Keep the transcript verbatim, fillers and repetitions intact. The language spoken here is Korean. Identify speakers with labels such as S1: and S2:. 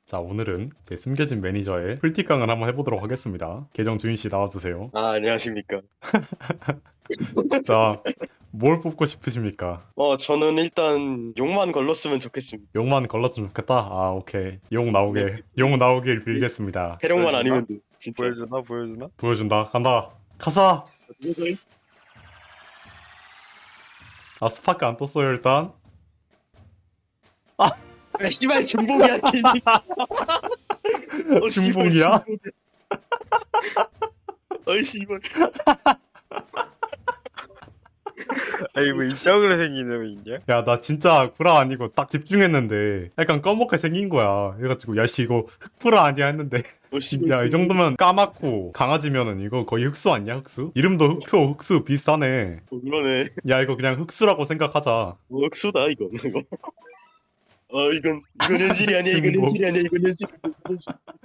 S1: 자, 오늘은 제 숨겨진 매니저의 풀티깡을 한번 해보도록 하겠습니다. 계정 주인씨 나와주세요.
S2: 아, 안녕하십니까.
S1: 자, 뭘 뽑고 싶으십니까?
S2: 어, 저는 일단 욕만 걸렀으면 좋겠습니다.
S1: 용만 걸렀으면 좋겠다? 아, 오케이. 용
S2: 네.
S1: 나오게. 용 나오길 빌겠습니다.
S2: 해령만
S3: 보여주나?
S2: 아니면 돼, 진짜.
S3: 보여주나 보여주나?
S1: 보여준다. 간다. 가자! 아, 스파크 안 떴어요, 일단.
S2: 아, 씨발, 중복이야, 씨. 어, 씨발,
S1: 중복이야?
S2: 중복이야. 어이, 씨발.
S3: 아니 뭐 이쪽으로 생긴 놈이 있냐?
S1: 야, 나 진짜 구라 아니고 딱 집중했는데 약간 꺼먹게 생긴 거야. 그래가지고, 야씨, 이거 흑구라 아니야 했는데.
S2: 어, 씨발.
S1: 야, 이 정도면 까맣고 강아지면은 이거 거의 흑수 아니야, 흑수? 이름도 흑표, 흑수 비슷하네.
S2: 어, 그러네.
S1: 야, 이거 그냥 흑수라고 생각하자.
S2: 어, 억수다, 이거. 이거. 어, 이건, 이건 현실이 아니야, 이건
S1: 중복.
S2: 현실이 아니야, 이건 현실. 이건 현실.